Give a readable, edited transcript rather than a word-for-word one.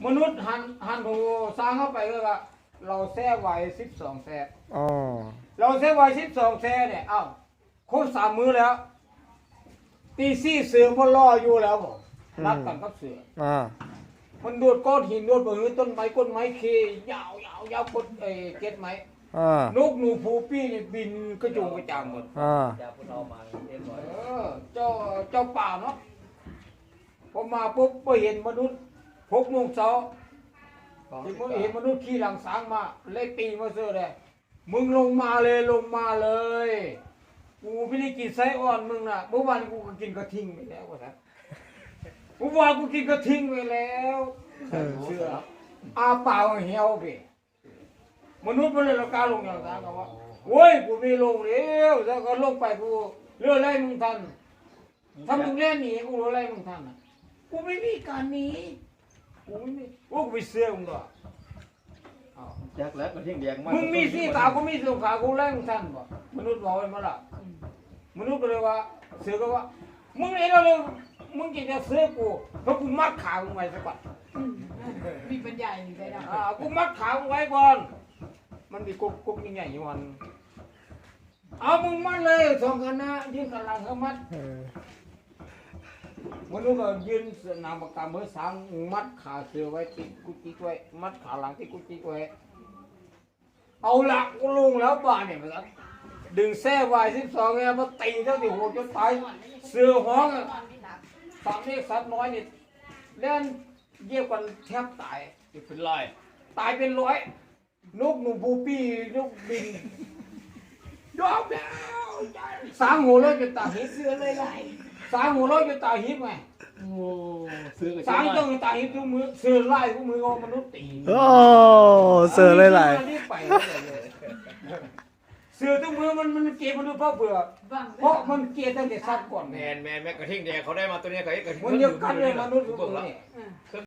มนุษย์หันหูสร้างเข้าไปก็ว่าเราแท้ไว้12แท้อ๋อเราแท้ไว้12แท้เนี่ยเอ้าครบ3มื้อแล้วตีซี่เสือพอล่ออยู่แล้วผมนัดกันกับเสืออ่ามันโดดก้อนหินโดดปืนต้นไม้ก้นไม้เคยาวยาวกดเก็ดไม้อ่านกหนูผูปี้นี่บินกระจุงกระจางหมดอ่าจะพูดเอามาเรียบร้อยเจ้าป่าเนาะพอมาปุ๊บไปเห็นมนุษย์6 โมงเช้าที่เห็นมนุษย์ขี่หลังสางมาเลยตีมาเสือเลยมึงลงมาเลยกูไม่ได้กินไส้อ่อนมึงน่ะเมื่อวานกูก็กินกระทิงไปแล้วว่าครับเมื่อวานกูกินกระทิงไปแล้วเสืออาเปล่าเหี่ยวไปมนุษย์มันเลยละกาลงอย่างนั้นก็ว่าโว้ยกูไม่ลงแล้วแล้วก็ลงไปกูเลื่อนไล่มึงทันถ้ามึงเล่นหนีกูเลื่อนไล่มึงทันอ่ะกูไม่มีการหนีกูไม่มีกูไปเสือมึงก็แจ็คแล้วมันเที่ยงแดงมากมึงมีสี่ขากูมีสองขากูไล่มึงทันบ่มนุษย์บอกไว้มาละมนุษย์ก็เลยว่าเสือก็ว่ามึงเองเราเลยมึงจะเสือกูเพราะกูมัดขามึงไว้ซะก่อนมีปัญญาอย่างไรนะกูมัดขามึงไว้ก่อนมันมีกุ๊กใหญ่ๆอยู่วันเอามึงมัดเลยสองคณะยืนกันหลังเขามัดเออมนุษย์ก็ยืนนามปากกาเมื่อสางมัดขาเสือไว้ติดกุจิกไว้มัดขาหลังที่กุจิกไว้เอาละกูลงแล้วบ้านเนี่ยมันดึงแส้ไว้12ไงมาตีเท่าที่หัวจนตายเสือห้องสามเล็กสัตว์น้อยนี่เล่นเยี่ยกันแทบตายเป็นร้อยตายเป็นร้อยนกหนูบูปี้นกบินยอมแล้วสางหัวเราะจนตาหิบเสือเลยไงสางหัวเราะจนตาหิบไงโอ้ซื้อกับสางจนตาหิบทุกมือเสือไล่ทุกมือเอามนุษย์ตีโอ้เสือเลยหลายเสือทุกมือมันเกลียดมนุษย์เพราะเบื่อเพราะมันเกลียดตั้งแต่สัตว์ก่อนแมนกระทิงแดงเขาได้มาตัวนี้เขาไอ้กระทิงมันเยอะกันเลยมนุษย์ทุกเบิ่งมือแล้วนี่